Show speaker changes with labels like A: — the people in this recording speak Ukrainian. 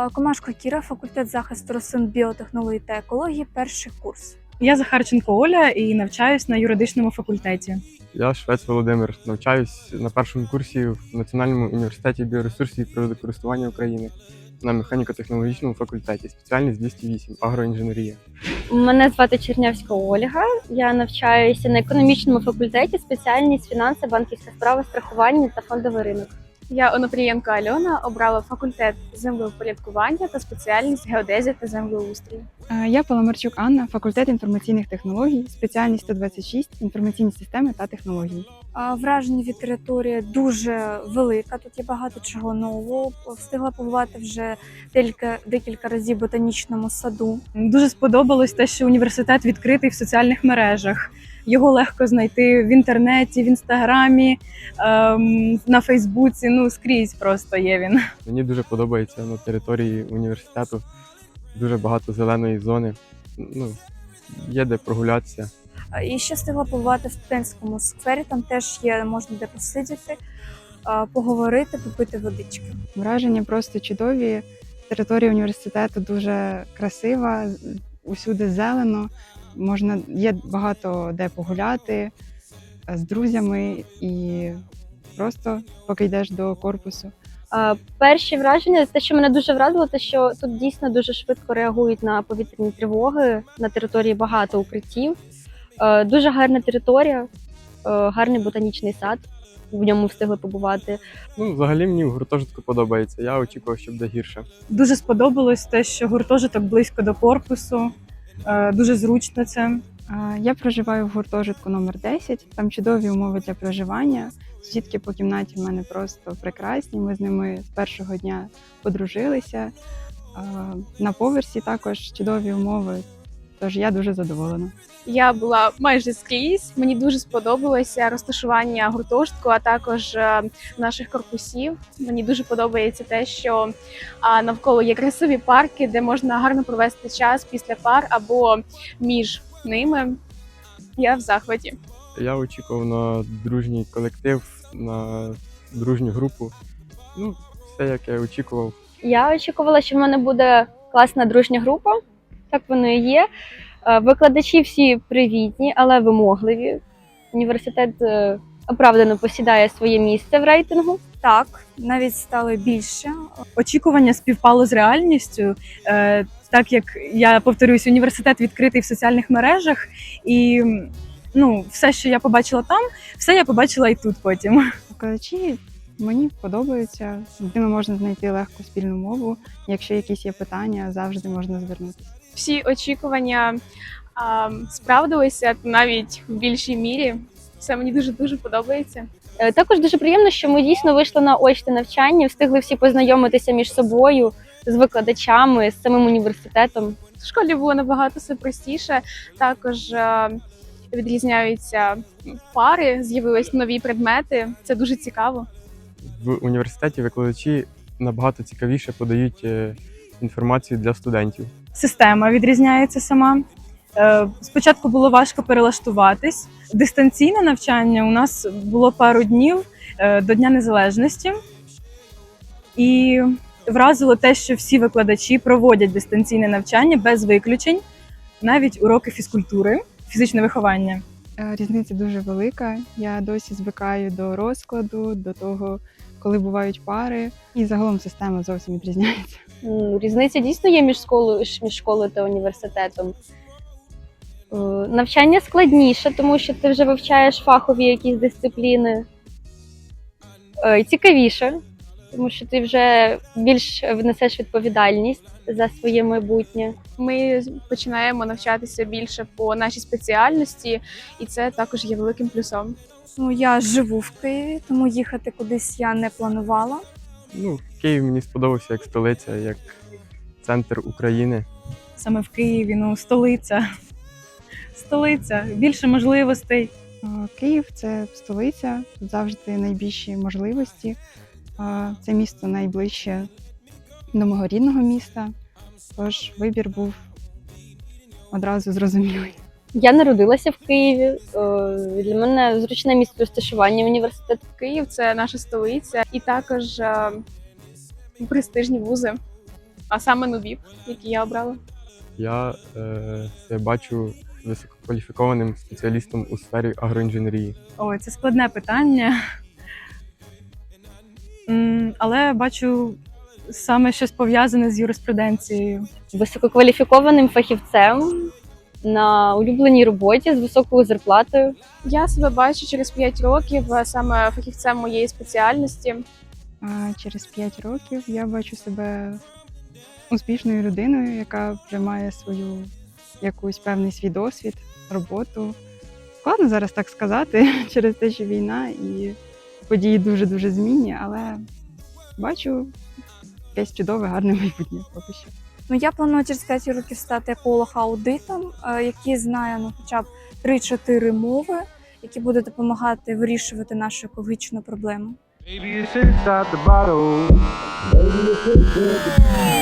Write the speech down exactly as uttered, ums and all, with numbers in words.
A: Е, Комашко Кіра, факультет захисту рослин, біотехнології та екології, перший курс.
B: Я Захарченко Оля і навчаюсь на юридичному факультеті.
C: Я Швець Володимир, навчаюсь на першому курсі в Національному університеті біоресурсів і природокористування України на механіко-технологічному факультеті, спеціальність двісті вісім агроінженерія.
D: Мене звати Чернявська Ольга. Я навчаюся на економічному факультеті, спеціальність фінанси, банківська справа, страхування та фондовий ринок.
E: Я Онопрієнко Альона, обрала факультет землевпорядкування та спеціальність геодезія та землеустрій.
F: Я Паламарчук Анна, факультет інформаційних технологій, спеціальність сто двадцять шість інформаційні системи та технології.
A: Е, Враження від території дуже велика, тут є багато чого нового. Встигла побувати вже декілька, декілька разів в ботанічному саду.
B: Дуже сподобалось те, що університет відкритий в соціальних мережах. Його легко знайти в інтернеті, в інстаграмі, ем, на Фейсбуці, ну скрізь просто є він.
C: Мені дуже подобається на території університету, дуже багато зеленої зони, ну, є де прогулятися.
A: Е, І ще встигла побувати в студентському сквері, там теж є, можна де посидіти, е, поговорити, попити водички.
F: Враження просто чудові. Територія університету дуже красива, усюди зелено. Можна, є багато де погуляти з друзями і просто поки йдеш до корпусу.
D: Е, Перші враження, те, що мене дуже вразило, те, що тут дійсно дуже швидко реагують на повітряні тривоги, на території багато укриттів. Е, Дуже гарна територія, е, гарний ботанічний сад, в ньому встигли побувати.
C: Ну, взагалі мені в гуртожитку подобається, я очікував, що буде гірше.
B: Дуже сподобалось те, що гуртожиток близько до корпусу, е, дуже зручно це.
F: А, Я проживаю в гуртожитку номер десять, там чудові умови для проживання. Сусідки по кімнаті в мене просто прекрасні, ми з ними з першого дня подружилися. А, На поверсі також чудові умови, тож я дуже задоволена.
E: Я була майже скрізь. Мені дуже сподобалося розташування гуртожитку, а також е, наших корпусів. Мені дуже подобається те, що а, навколо є красиві парки, де можна гарно провести час після пар або між ними. Я в захваті.
C: Я очікував на дружній колектив, на дружню групу. Ну, все, як я очікував.
D: Я очікувала, що в мене буде класна дружня група, так воно і є. Е, Викладачі всі привітні, але вимогливі. Університет е, оправдано посідає своє місце в рейтингу.
A: Так, навіть стали більше.
B: Очікування співпало з реальністю, е, так як, я повторюсь, університет відкритий в соціальних мережах, і ну, все, що я побачила там, все я побачила і тут потім.
F: Викладачі мені подобаються, з ними можна знайти легку спільну мову. Якщо якісь є питання, завжди можна звернутися.
E: Всі очікування а, справдилися навіть в більшій мірі. Все мені дуже-дуже подобається.
D: Е, Також дуже приємно, що ми дійсно вийшли на очне навчання, встигли всі познайомитися між собою, з викладачами, з самим університетом.
E: В школі було набагато все простіше. Також е, відрізняються пари, з'явились нові предмети. Це дуже цікаво.
C: В університеті викладачі набагато цікавіше подають е, інформацію для студентів.
B: Система відрізняється сама. Е, Спочатку було важко перелаштуватись. Дистанційне навчання у нас було пару днів е, до Дня Незалежності. І вразило те, що всі викладачі проводять дистанційне навчання без виключень, навіть уроки фізкультури, фізичне виховання.
F: Е, Різниця дуже велика. Я досі звикаю до розкладу, до того, коли бувають пари. І загалом система зовсім відрізняється.
D: М, Різниця дійсно є між школою, між школою та університетом. Е, Навчання складніше, тому що ти вже вивчаєш фахові якісь дисципліни. Е, і Цікавіше, тому що ти вже більш внесеш відповідальність за своє майбутнє.
E: Ми починаємо навчатися більше по нашій спеціальності, і це також є великим плюсом.
A: Ну, я живу в Києві, тому їхати кудись я не планувала.
C: Ну, Київ мені сподобався як столиця, як центр України.
B: Саме в Києві, ну, столиця. Столиця, більше можливостей.
F: Е, Київ – це столиця, тут завжди найбільші можливості. Е, Це місто найближче до мого рідного міста, тож вибір був одразу зрозумілий.
D: Я народилася в Києві. Е, Для мене зручне місце розташування університету.
E: Київ це наша столиця, і також е, престижні вузи. А саме НУВІП, який я обрала.
C: Я е, себе бачу висококваліфікованим спеціалістом у сфері агроінженерії.
B: Ой, це складне питання. М, Але бачу саме щось пов'язане з юриспруденцією.
D: Висококваліфікованим фахівцем на улюбленій роботі з високою зарплатою.
E: Я себе бачу через п'ять років е, саме фахівцем моєї спеціальності.
F: А через п'ять років я бачу себе успішною людиною, яка вже має свою якусь певний свій досвід, роботу. Складно зараз так сказати через те, що війна і події дуже-дуже змінні, але бачу якесь чудове, гарне майбутнє поки що.
A: Ну, я планую через п'ять років стати еколог-аудитом, е, який знає ну, хоча б три-чотири мови, які будуть допомагати вирішувати нашу екологічну проблему.
G: Maybe it's inside the bottle. Maybe it's inside the